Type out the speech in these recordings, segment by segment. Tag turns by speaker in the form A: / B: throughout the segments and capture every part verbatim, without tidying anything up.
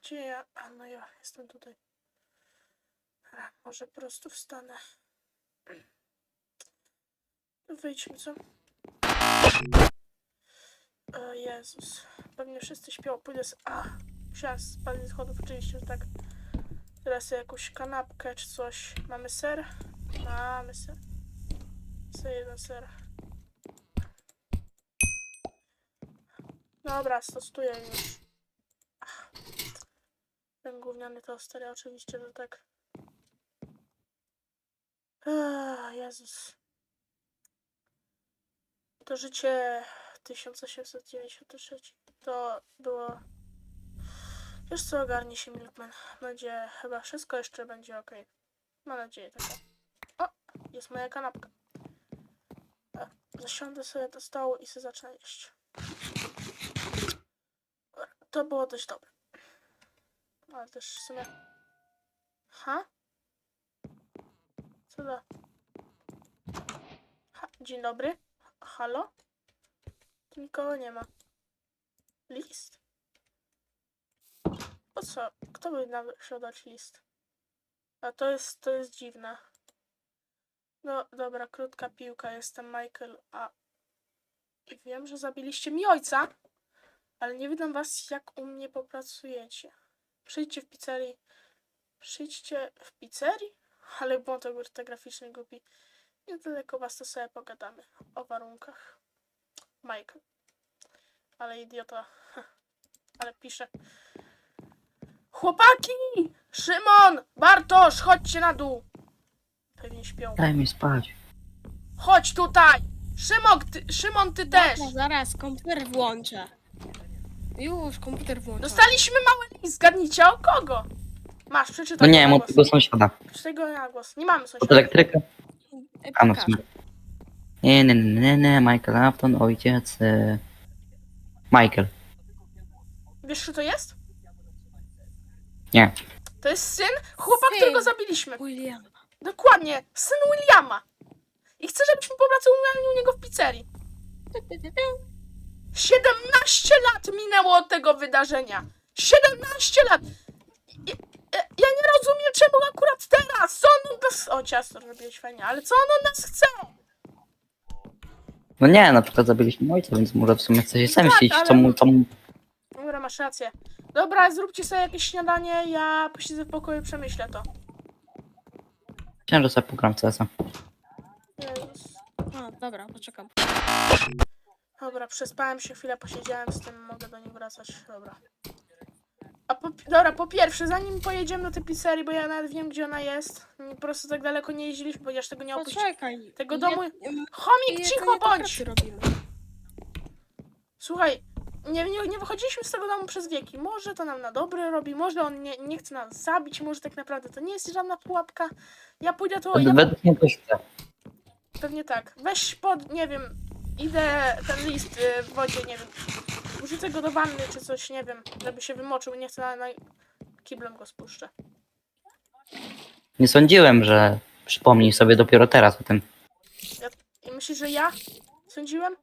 A: Gdzie ja? A no ja jestem tutaj. A, może po prostu wstanę. Wyjdźmy, co? O Jezus. Pewnie wszyscy śpią. Pójdę z... A! Musiałam spadać z schodów, oczywiście, że tak. Teraz jakąś kanapkę czy coś. Mamy ser? Mamy ser. Co jeden ser. Dobra, stosuję już. Ach. Ten gówniany toster, oczywiście, że tak. Ach, Jezus. To życie tysiąc osiemset dziewięćdziesiąty trzeci to było... Wiesz co, ogarnie się Milkman. Będzie chyba wszystko jeszcze będzie ok. Mam nadzieję taką. O! Jest moja kanapka. Tak, zasiądę sobie do stołu i sobie zacznę jeść. To było dość dobre. Ale też w sumie... Ha? Co to? Ha, dzień dobry. Halo? Tu nikogo nie ma. List? Po co? Kto by nam chciał dać list? A to jest, to jest dziwne. No dobra, krótka piłka. Jestem Michael, a... I wiem, że zabiliście mi ojca, ale nie widzę was, jak u mnie popracujecie. Przyjdźcie w pizzerii. Przyjdźcie w pizzerii? Ale błąd ortograficzny głupi. Niedaleko was, to sobie pogadamy o warunkach. Michael. Ale idiota. Ale pisze. Chłopaki! Szymon! Bartosz! Chodźcie na dół! Pewnie śpią.
B: Daj mi spać.
A: Chodź tutaj! Szymon, ty, Szymon, ty też!
C: Zaraz, zaraz, komputer włączę. Już, komputer włączę.
A: Dostaliśmy mały list, zgadnijcie o kogo? Masz,
B: No
A: przeczytaj
B: nie,
A: go
B: mam
A: na
B: tego
A: głos.
B: sąsiada.
A: Przeczytaj go na głos. Nie mamy
B: Od
A: sąsiada.
B: elektryka. A no w
C: Pokaż.
B: sumie. Nie, nie, nie, nie, nie, Michael Afton, ojciec. e, Michael.
A: Wiesz, kto to jest?
B: Nie.
A: To jest syn chłopa,
C: Syn.
A: którego zabiliśmy.
C: William.
A: Dokładnie, syn Williama. I chcę, żebyśmy popracowali u niego w pizzerii. siedemnaście lat minęło od tego wydarzenia. siedemnaście lat. Ja, ja, ja nie rozumiem, czemu akurat teraz. Co on od nas... O, ciasto robiłeś fajnie, ale co on od nas chce?
B: No nie, na przykład zabiliśmy ojca, więc może w sumie chce się zemścić,
A: ale-
B: co mu, co mu...
A: Dobra, masz rację. Dobra, zróbcie sobie jakieś śniadanie, ja posiedzę w pokoju i przemyślę to.
B: Chciałem, że sobie pogram w C S a.
A: Jezus.
C: A, dobra, poczekam.
A: Dobra, przespałem się chwilę, posiedziałem z tym, mogę do nich wracać. Dobra. A po, dobra, po pierwsze, zanim pojedziemy do tej pizzerii, bo ja nawet wiem, gdzie ona jest. Po prostu tak daleko nie jeździliśmy, ponieważ tego nie opuściłem.
C: Poczekaj.
A: Tego
C: Je-
A: domu-
C: em,
A: Chomik,
C: jedzenie
A: cicho
C: do
A: bądź!
C: pracy robimy.
A: Słuchaj, nie, nie, nie wychodziliśmy z tego domu przez wieki. Może to nam na dobre robi, może on nie, nie chce nas zabić, może tak naprawdę to nie jest żadna pułapka. Ja pójdę to... Ja,
B: Według mnie coś chce.
A: pewnie tak. Weź pod, nie wiem, idę ten list y, w wodzie, nie wiem. Wrzucę go do wanny czy coś, nie wiem, żeby się wymoczył. Nie chcę na, na... Kiblem go spuszczę.
B: Nie sądziłem, że przypomnij sobie dopiero teraz o tym.
A: I myślisz, że ja sądziłem?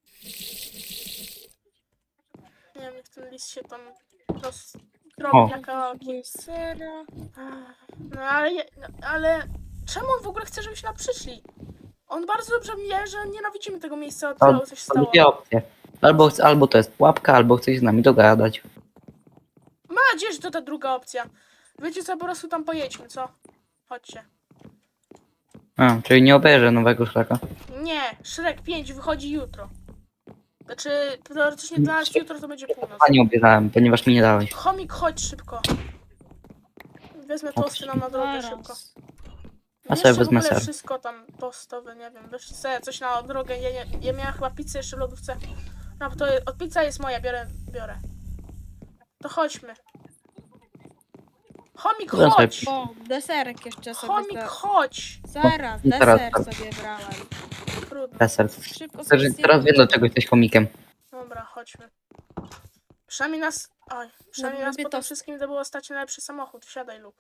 A: Nie wiem, jak ten list się tam roz...
B: O.
A: robi na kawałki.
C: Potrzebuję sera.
A: No ale, je- no, ale czemu on w ogóle chce, żebyśmy tam przyszli? On bardzo dobrze wie, że nienawidzimy tego miejsca, od
B: To
A: którego coś
B: są
A: stało.
B: dwie opcje. Albo, chce- albo to jest pułapka, albo chce się z nami dogadać.
A: Mam nadzieję, że to ta druga opcja. Wiecie co, po prostu tam pojedźmy, co? Chodźcie.
B: A, czyli nie obejrzę nowego Shreka.
A: Nie, Shrek pięć wychodzi jutro. Znaczy, teoretycznie dla nas jutro to będzie północ.
B: A nie obejrzałem, ponieważ mi nie dałeś.
A: Chomik, chodź szybko. Wezmę tosty nam na drogę szybko.
C: Zaraz.
B: A
A: Jeszcze
B: sobie
A: w
B: wezmę
A: ogóle
B: ser.
A: wszystko tam tostowe, nie wiem, weź sobie coś na drogę. Ja, ja, ja miałam chyba pizzę jeszcze w lodówce. No to je- od pizza jest moja, biorę, biorę. To chodźmy. Chomik,
B: Dobra, sobie-
A: chodź!
C: O, deserek jeszcze sobie.
A: Chomik,
C: za-
A: chodź!
C: Zaraz,
B: No, teraz
C: deser
B: tak.
C: sobie brałem.
A: Trudno.
B: Deser.
C: Szybko
B: Także
C: sobie
B: teraz wiem,
C: zjemy.
B: dlaczego jesteś komikiem.
A: Dobra, chodźmy. Przynajmniej nas... Oj, przynajmniej
C: No,
A: nas
C: lubię
A: po tym
C: tost.
A: wszystkim to było stać na lepszy samochód. Wsiadaj, Luke.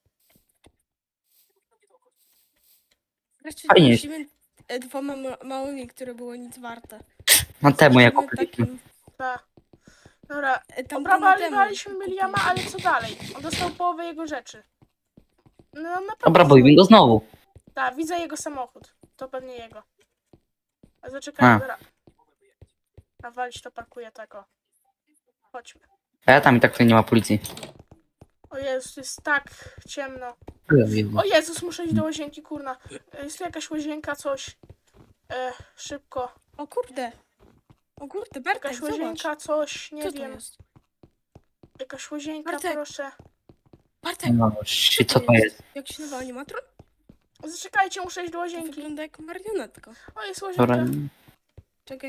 C: Wreszcie
B: Fajnie.
C: jeździmy e, dwoma ma- małymi, które było nic warte.
B: No temu jak
C: Jeździmy
B: kupiliśmy.
C: takim-
A: Ta. Dobra,
C: E, tam
A: obrabaliśmy
C: temu
A: Williama,
C: kupiłem.
A: ale co dalej? On dostał połowę jego rzeczy. No naprawdę.
B: Dobra, bojmy go znowu.
A: Tak, widzę jego samochód. To pewnie jego. A zaczekaj,
B: A.
A: dobra. A walić to parkuje tego. Chodźmy.
B: A ja tam i tak tutaj nie ma policji.
A: O Jezus, jest tak ciemno.
B: Jezu.
A: O Jezus, muszę iść do łazienki, kurna. E, Jest tu jakaś łazienka, coś. E, szybko.
C: O kurde. O kurde, Bartek,
A: Jakaś
C: zobacz.
A: łazienka, coś, nie
C: Co to
A: wiem.
C: jest?
A: Jakaś łazienka,
C: Bartek.
A: proszę.
C: Bartek,
B: No, shit, co to jest?
C: Jak się nazywa animatron?
A: Zaczekajcie, muszę iść do
C: To
A: łazienki.
C: wygląda jak marionetka.
A: O, jest
B: Dobra.
A: łazienka.
C: Czekaj.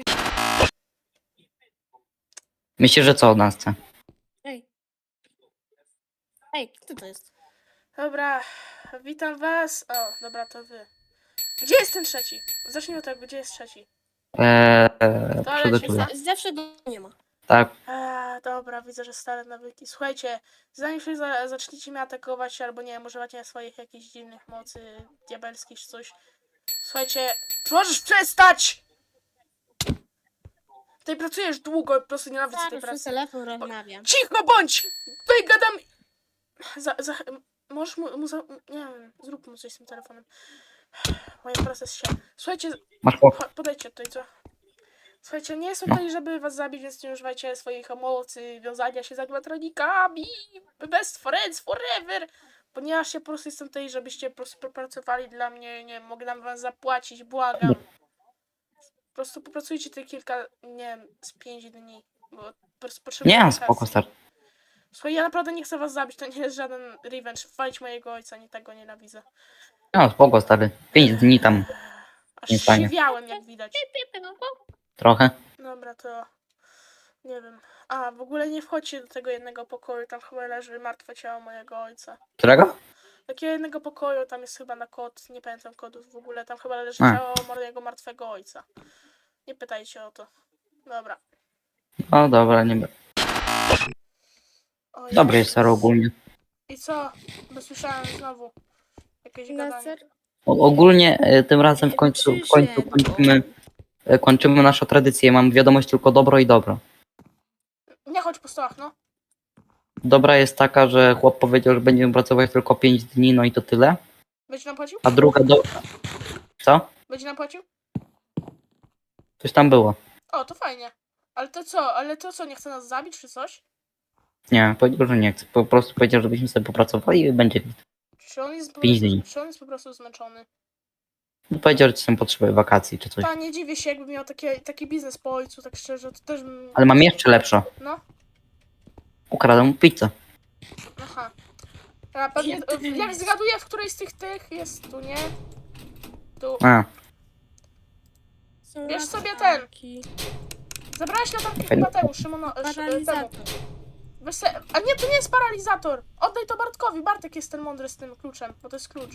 B: Myślę, że co od nas chce?
C: Ej. Ej, kto to jest?
A: Dobra, witam was. O, dobra, to wy. Gdzie jest ten trzeci? Zacznijmy od tego, gdzie jest trzeci?
B: Eee, eee,
A: To
B: przygotuję.
A: leci.
C: Z- Zawsze go nie ma.
B: Tak.
A: Eee, dobra, widzę, że stare nawyki. Słuchajcie, zanim się za zaczniecie mnie atakować, albo nie wiem, używacie swoich jakichś dziwnych mocy diabelskich czy coś. Słuchajcie, możesz przestać! Tutaj pracujesz długo, po prostu nienawidzę tej
C: Zaraz przez
A: pracy.
C: telefon rozmawiam.
A: Cicho bądź! Tutaj gadam... Za, za, możesz mu, mu za, nie wiem, zrób mu coś z tym telefonem. Moja praca jest się. Słuchajcie,
B: Masz po...
A: cho- podejdźcie tutaj, co? Słuchajcie, nie jestem
B: No.
A: tutaj, żeby was zabić, więc nie używajcie swoich mocy, wiązania się z animatronikami, best friends forever, ponieważ ja po prostu jestem tutaj, żebyście po prostu pracowali dla mnie, nie wiem, mogę nam was zapłacić, błagam. Po prostu popracujcie tutaj kilka, nie wiem, z pięć dni, bo po prostu potrzebuję
B: Nie,
A: wakacji.
B: spoko, stary.
A: Słuchaj, ja naprawdę nie chcę was zabić, to nie jest żaden revenge, walić mojego ojca, nie tego nienawidzę.
B: No, spoko, stary. Pięć dni tam.
A: Aż
B: Nie fajnie.
A: siwiałem, jak widać.
B: Trochę.
A: Dobra, to nie wiem. A, w ogóle nie wchodźcie do tego jednego pokoju, tam chyba leży martwe ciało mojego ojca.
B: Którego?
A: Takiego jednego pokoju, tam jest chyba na kod, nie pamiętam kodów w ogóle, tam chyba leży
B: A.
A: ciało mojego martwego ojca. Nie pytajcie o to. Dobra.
B: No dobra, nie będę.
A: O
B: Dobry jest
A: Jezus.
B: stary ogólnie.
A: I co? Bo słyszałem znowu jakieś
C: Na
A: gadanie.
C: ser...
B: O, ogólnie e, tym razem w końcu, w końcu kończymy, e, kończymy naszą tradycję. Mam wiadomość tylko dobro i dobro.
A: Nie chodź po stołach, no.
B: Dobra jest taka, że chłop powiedział, że będziemy pracować tylko pięć dni, no i to tyle.
A: Będzie nam płacił?
B: A druga do... Co?
A: Będzie nam płacił?
B: Coś tam było.
A: O, to fajnie. Ale to co? Ale to co, nie chce nas zabić czy coś?
B: Nie, powiedział, że nie chce. Po prostu powiedział, żebyśmy sobie popracowali i będzie.
A: Czy on jest po
B: Pięć
A: prostu,
B: dni.
A: czy on jest po prostu zmęczony?
B: No, powiedział, że ci są potrzeby wakacji czy coś.
A: Ta, nie dziwię się, jakby miał takie, taki biznes po ojcu, tak szczerze, to też bym...
B: Ale mam jeszcze lepsze.
A: No,
B: Ukradłem mu pizzę.
A: aha. A pewnie, jak zgaduję, w której z tych tych jest tu, nie? Tu.
B: A,
C: Są
A: Bierz sobie
C: latarki.
A: Zabrałeś latarkę
B: Fajny
A: chyba temu, Szymono... sz- temu.
C: Paralizator.
A: Weź se... A nie, to nie jest paralizator! Oddaj to Bartkowi, Bartek jest ten mądry z tym kluczem, bo to jest klucz.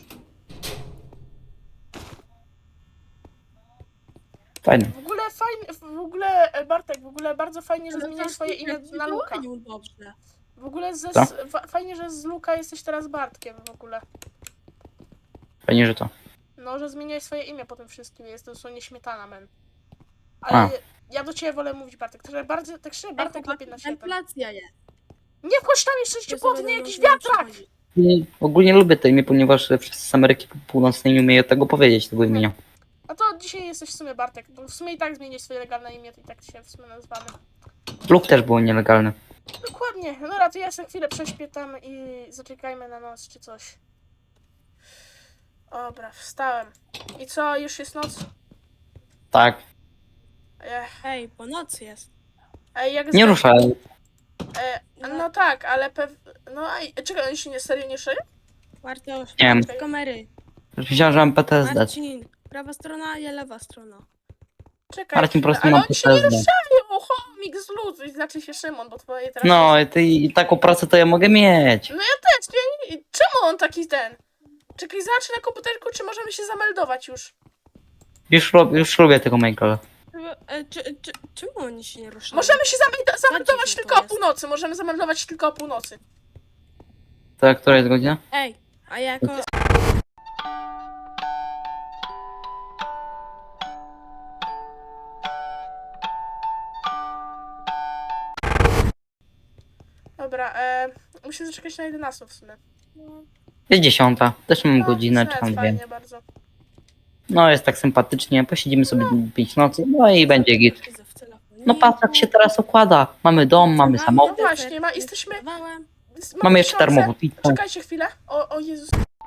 B: fajne.
A: W ogóle fajnie, w ogóle, e, Bartek, w ogóle bardzo fajnie, że zmieniasz swoje imię na Luka.
C: Dobrze.
A: W ogóle ze,
B: Co?
A: z, fa- fajnie, że z Luka jesteś teraz Bartkiem w ogóle.
B: Fajnie, że to.
A: No, że zmieniałeś swoje imię po tym wszystkim, jest dosłownie śmietana, men.
B: A.
A: Ale ja do ciebie wolę mówić Bartek, także bardzo, tak szczerze, Bartek lepiej na świecie.
C: Inflacja jest.
A: Nie wchodź tam jeszcze ci
C: Ja sobie
A: potnie
C: nie
A: jakiś
C: mogę
A: wiatrak!
C: przychodzić.
B: I ogólnie lubię to imię, ponieważ wszyscy z Ameryki Północnej nie umieją tego powiedzieć, tego imienia.
A: A to dzisiaj jesteś w sumie Bartek, bo w sumie i tak zmieniłeś swoje legalne imię, to i tak się w sumie nazywamy.
B: Luke też było nielegalne.
A: Dokładnie, no dobra, to ja sobie chwilę prześpię tam i zaczekajmy na noc czy coś. Dobra, wstałem. I co, już jest noc?
B: Tak.
A: Ech,
C: Ej, po nocy jest.
A: ej, jak
B: Nie
A: zga-
B: ruszałem.
A: E, no tak, ale pew... No a czekaj, oni się nie serio nie szyją?
C: Bartosz,
B: Nie wiem.
C: z kamery.
B: Myślałem, że mam P T S D.
C: Marcin, prawa strona, ja lewa strona.
A: Czekaj,
B: Marcin, po prostu
A: ale
B: mam
A: oni się nie
B: P T S D.
A: ruszają, chomik z ludu, znaczy się Szymon, bo twoje teraz...
B: No i ty i taką pracę to ja mogę mieć.
A: No ja też, nie, nie, czemu on taki ten? Czekaj, zobacz na komputerku, czy możemy się zameldować już.
B: Już, rob- już lubię tego Michaela.
C: E, czy, czy, czemu oni się nie ruszają?
A: Możemy się zameldo- zameldować
C: dziwne
A: tylko
C: to
A: o
C: jest.
A: północy, możemy zameldować tylko o północy.
B: To która jest godzina?
C: Ej, a jako...
A: dobra, e, muszę zaczekać na jedenastą w sumie.
B: Jest dziesiąta. Też mam
A: No,
B: godzinę,
A: to
B: czy tam
A: jest
B: dwie.
A: fajnie bardzo.
B: No jest tak sympatycznie, posiedzimy sobie pięć nocy, no i będzie git.
C: Siedzę w telefoniku.
B: No patrz jak się teraz układa. Mamy dom, mamy
C: Mam
B: samochód,
A: No właśnie, ma-
C: deser,
A: jesteśmy-
C: zdawałem.
A: Jest-
B: mamy jeszcze
A: tysiące.
B: darmową pizzę.
A: Czekajcie chwilę. O, o Jezus.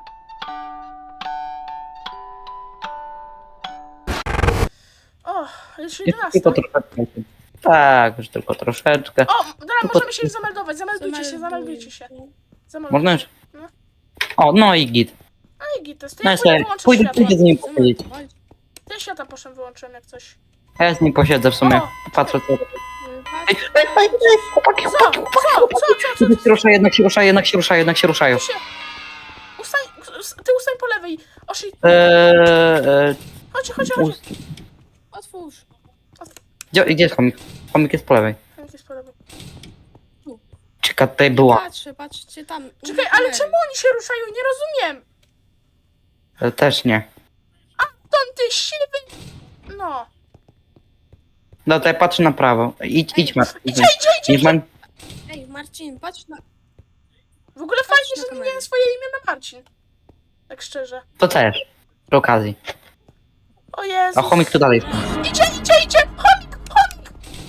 A: O, już
B: Jeszcze
A: jedenasta.
B: tylko troszeczkę. Tak, już tylko troszeczkę.
A: O, dobra,
B: Tylko-
A: możemy się już zameldować. Zameldujcie się, zameldujcie się. Zameldujcie
B: Można już?
A: No.
B: O, no i git.
A: No i git, to jest. To
B: No
A: ja
B: i
A: pójdę
B: sobie
A: wyłączę
B: pójdę,
A: światło.
B: pójdę z nim posiedzieć.
A: Ten świata poszedłem, wyłączyłem jak coś.
B: A ja z nim posiedzę w sumie.
A: O!
B: Patrzę co. Ej,
C: Patrz,
B: ej, ej, ej, chłopaki,
A: Co?
B: chłopaki,
A: Co? Co? Co? Co?
B: jednak się rusza, jednak się rusza, jednak się rusza, jednak się ruszają.
A: Tu się... Ustań, ty ustań po lewej. Oshi,
B: Eee, eee,
A: chodź, chodź, chodź.
C: otwórz.
B: gdzie, gdzie jest chomik? Chomik jest po lewej.
A: Jak jest po lewej?
B: Czeka, tutaj była.
C: Patrzę, patrzcie tam. u
A: Czekaj,
C: mnie
A: ale
C: kamery.
A: czemu oni się ruszają? Nie rozumiem.
B: E, Też nie.
A: Ton ty siwy. No.
B: No tutaj patrzę na prawo. Idź, idź, Marcin.
A: Idzie, idzie, idzie.
B: Idź, man.
C: Ej, Marcin, patrz na...
A: W ogóle fajnie,
C: na
A: że
C: kamerę.
A: zmieniłem swoje imię na Marcin. Tak szczerze.
B: To też. Przy okazji.
A: O Jezu.
B: A chomik tu dalej.
A: Idzie, idzie, idzie. Chomik, chomik.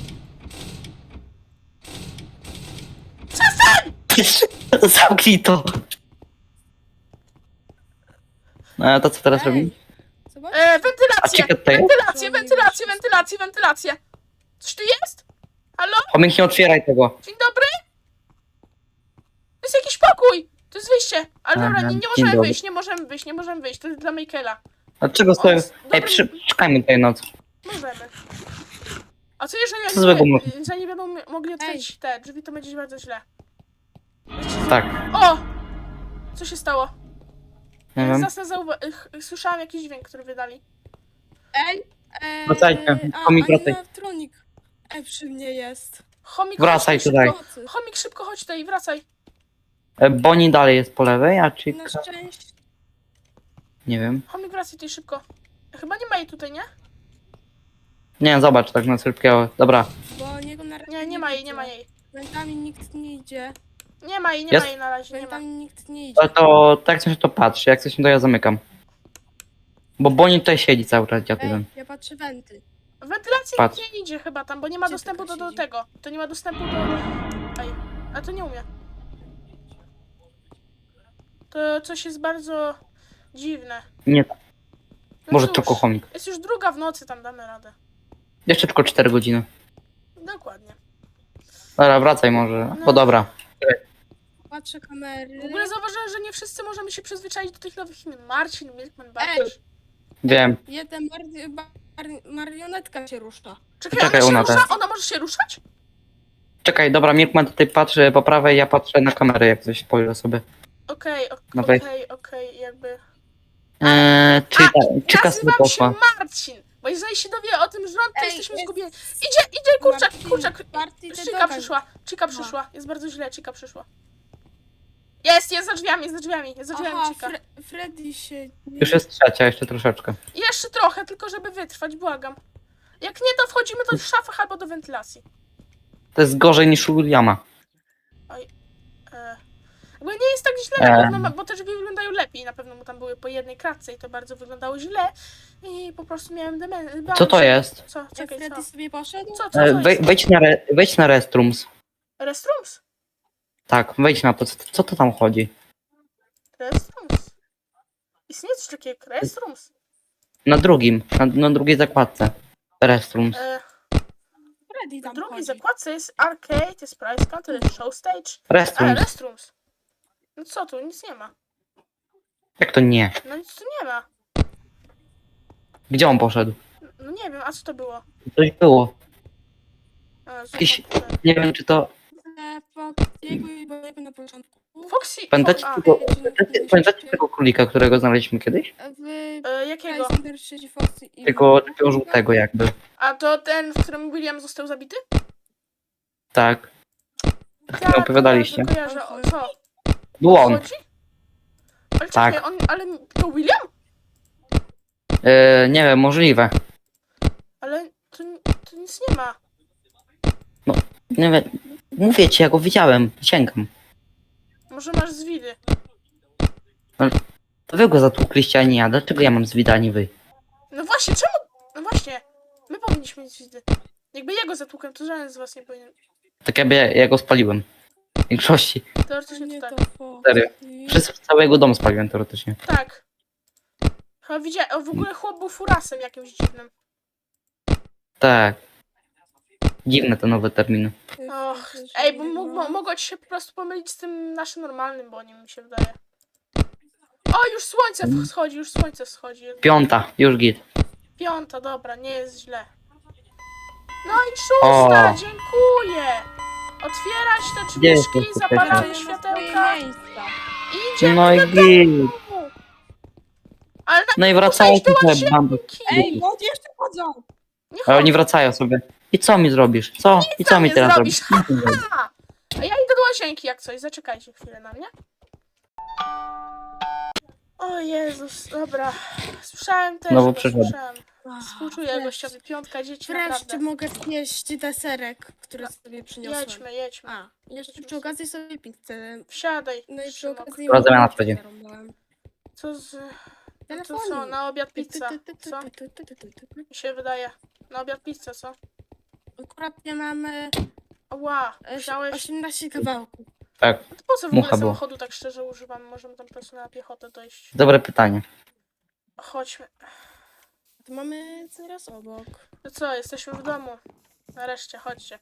A: Przestań.
B: Zamknij to. No to co teraz
C: Ej,
B: robimy?
C: Zobacz.
A: E,
B: A
A: wentylację.
B: ciekawe tutaj?
A: Wentylację, wentylację, wentylację, wentylację. Coś tu jest? Halo?
B: Chomik, nie otwieraj tego.
A: Dzień dobry? To jest jakiś pokój. To jest wyjście. Ale
B: Aha,
A: dobra, nie, nie
B: dzień
A: możemy
B: dobry.
A: wyjść, nie możemy wyjść, nie możemy wyjść. To jest dla Michaela.
B: A czego stoję?
A: jest
B: Ej,
A: dobry-
B: przy... czekajmy tutaj noc.
A: Możemy. A co jeżeli
B: Co złego
A: oni
B: można?
A: nie, że nie będą mi- mogli otworzyć te drzwi, to będzie bardzo źle.
B: Tak,
A: O! Co się stało?
B: nie wiem.
A: Zasnę zauwa- ch- Słyszałam jakiś dźwięk, który wydali.
C: Ej, ej.
B: Wracajcie,
C: a-
B: chomik, wracaj.
C: animatronik. Ej, przy mnie jest.
A: Chomik,
B: Wracaj
A: chodź
B: tutaj.
A: Szybko.
C: Nocy.
A: Chomik, szybko chodź tutaj, wracaj.
B: E, Boni dalej jest po lewej, a
C: Na
B: Chica...
C: szczęście.
B: Nie wiem.
A: Chomik, wracaj tutaj szybko. Chyba nie ma jej tutaj, nie?
B: Nie, zobacz tak na szybkiego. Dobra.
C: Bo niego na razie
A: Nie, nie ma jej,
C: widzę.
A: nie ma jej.
C: Wentami nikt nie idzie.
A: Nie ma jej, nie
B: Jest?
A: ma jej na razie, nie ma.
C: Wentami nikt nie idzie.
B: To, to tak coś to patrzy, jak coś to ja zamykam. Bo Boni tutaj siedzi cały czas, dziad
C: Ej,
B: jeden.
C: ja patrzę wenty.
A: Wentylacja
B: Patrz.
A: nie idzie chyba tam, bo nie ma
C: Gdzie
A: dostępu do,
C: taka
A: do
C: siedzi?
A: tego. To nie ma dostępu do... Ej, a to nie umie. To coś jest bardzo dziwne.
B: Nie,
A: No
B: może
A: cóż,
B: tylko chomik.
A: jest już druga w nocy, tam damy radę.
B: Jeszcze tylko cztery godziny.
A: Dokładnie.
B: Dobra, wracaj może.
A: No.
B: Bo dobra.
C: Patrzę kamery.
A: W ogóle zauważyłem, że nie wszyscy możemy się przyzwyczaić do tych nowych imion. Marcin, Milkman,
C: Ej.
A: Bartosz.
B: Wiem.
C: Jeden mar mar marionetka się rusza.
A: Czekaj,
B: Czekaj,
A: ona się
B: ona
A: rusza?
B: też.
A: Ona może się ruszać?
B: Czekaj, dobra, Milkman tutaj patrzy po prawej, ja patrzę na kamerę, jak coś spojrzę sobie.
A: Okej, ok-
B: No wejdź.
A: okej, okej, jakby...
B: Eee, czy,
A: A,
B: czyka sobie
A: Nazywam się
B: poszła.
A: Marcin, bo jeżeli się dowie o tym rząd, to
C: Ej,
A: jesteśmy
C: jest-
A: zgubieni. Idzie, idzie, kurczak,
C: Marcin,
A: kurczak.
C: Marcin, ty
A: Chica
C: dogań.
A: przyszła, Chica przyszła. Jest bardzo źle, Chica przyszła. Jest, jest za drzwiami, jest za drzwiami, jest za drzwiami
C: Aha,
A: Chica.
C: Fre Freddy się...
B: Już jest trzecia, jeszcze troszeczkę.
A: Jeszcze trochę, tylko żeby wytrwać, błagam. Jak nie, to wchodzimy do szafy albo do wentylacji.
B: To jest gorzej niż u Williama.
A: E, bo nie jest tak źle,
B: Em.
A: na pewno, ma- bo te drzwi wyglądają lepiej. Na pewno mu tam były po jednej kratce i to bardzo wyglądało źle. I po prostu miałem demencję.
B: Co to jest?
A: Co?
C: Ej,
A: Czekaj,
C: Freddy
A: co?
C: sobie poszedł?
A: Co, co, co
B: E,
A: jest?
B: wej, wejdź, na re, wejdź na restrooms.
A: Restrooms?
B: Tak, wejdź na to. Co, co to tam chodzi?
A: Restrooms. Istnieje coś takiego jak restrooms?
B: Na drugim, na, na drugiej zakładce. Restrooms.
A: E,
C: Freddy
A: w
C: tam
A: drugiej
C: chodzi.
A: zakładce jest arcade, jest price counter, jest show stage. A,
B: Restrooms.
A: restrooms. No co tu? Nic nie ma.
B: Jak to nie?
A: No nic tu nie ma.
B: Gdzie on poszedł?
A: No nie wiem, a co to było?
B: Coś było.
A: A,
B: Jakiś-
A: zobacz.
B: Nie wiem, czy to...
C: E, Foxiego i Boniego na początku.
A: Foxy.
B: Pamiętacie
A: a,
B: tego, pamiętacie, pamiętacie tego królika, którego znaleźliśmy kiedyś?
C: W
A: e, jakiego?
C: Heisenberg siedzi Foxy i...
B: Tego takiego żółtego jakby.
A: A to ten, w którym William został zabity?
B: Tak. Tak mi opowiadaliście.
A: Ja kojarzę, o co?
B: Był on.
A: Chodzi? Ale
B: Tak.
A: czekaj, on, ale to William?
B: E, nie wiem, możliwe.
A: Ale to, to nic nie ma.
B: Nie wiem. Mówię ci, ja go widziałem. Sięgam.
A: Może masz zwidy.
B: To wy go zatłukliście, a nie ja. Dlaczego ja mam zwida, a nie wy?
A: No właśnie, czemu? No właśnie, my powinniśmy mieć zwidy. Jakby jego zatłukłem, to żaden z was nie powinien.
B: Tak jakby ja, ja go spaliłem. W większości.
A: Teoretycznie
C: Nie
A: to
C: to
A: tak.
C: Foxy.
B: Serio. Przez cały jego dom spaliłem teoretycznie.
A: Tak. Chyba widziałem, o, w ogóle chłop był furasem jakimś dziwnym.
B: Tak. Dziwne te nowe terminy.
A: Och, ej, bo mógł, mo- mogło ci się po prostu pomylić z tym naszym normalnym, bo nie mi się wydaje. O, już słońce wschodzi, już słońce wschodzi.
B: Piąta, już git.
A: Piąta, dobra, nie jest źle. No i szósta,
B: O.
A: dziękuję. Otwierać te
B: Gdzie
A: drzwiczki,
B: jesteś,
A: zapalamy
C: Czekaj,
A: światełka
C: miejsca.
A: i idziemy
B: No i
A: do
B: git.
A: domu. Ale na
B: No i wracają
A: iść do
B: tutaj bandy.
C: Ej, no jeszcze chodzą!
A: nie
B: A oni
A: chodź.
B: wracają sobie. I co mi zrobisz? Co? I co
A: nam
B: mi
A: nie
B: teraz
A: zrobisz.
B: zrobisz? Nic nie zrobisz.
A: Ha! A ja idę do łazienki jak coś, zaczekajcie chwilę na mnie. O Jezus, dobra. Słyszałem też,
B: Znowu
A: to
B: przyszedł.
A: słyszałem. Współczuję gościowi, piątka dzieci,
C: Wreszcie
A: naprawdę.
C: mogę zjeść deserek, który sobie przyniosłem.
A: Jedźmy, jedźmy.
C: A, jeszcze przy okazji sobie pizzę.
A: Wsiadaj.
C: No i przy
A: Szymon.
C: okazji...
B: Dobra, zamiana wchodzi.
C: zarąbałem.
A: Co z... No to
C: Telefonik.
A: co, na obiad pizza,
C: Ty, ty, ty,
A: co?
C: ty, ty, ty, ty, ty, ty, ty.
A: Mi się wydaje. Na obiad pizza, co?
C: Akurat nie mamy
A: Ła,
C: e,
A: wziąłeś...
C: osiemnaście kawałków.
B: Tak,
A: To po co w ogóle
B: mucha była.
A: samochodu tak szczerze używam? Możemy tam po prostu na piechotę dojść.
B: dobre pytanie.
A: Chodźmy.
C: To mamy zaraz obok.
A: No co, jesteśmy w domu. Nareszcie, chodźcie.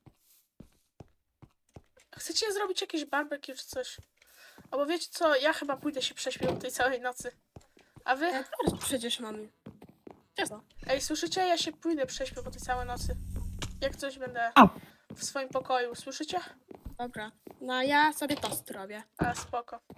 A: Chcecie zrobić jakieś barbecue czy coś? Albo wiecie co, ja chyba pójdę się prześpię tej całej nocy. A wy?
C: Ja teraz przecież mamy. Ciasto.
A: Ej, słyszycie? Ja się pójdę prześpię po tej całej nocy. Jak coś będę
B: A.
A: w swoim pokoju, słyszycie?
C: Dobra. No a ja sobie tost robię.
A: A, spoko.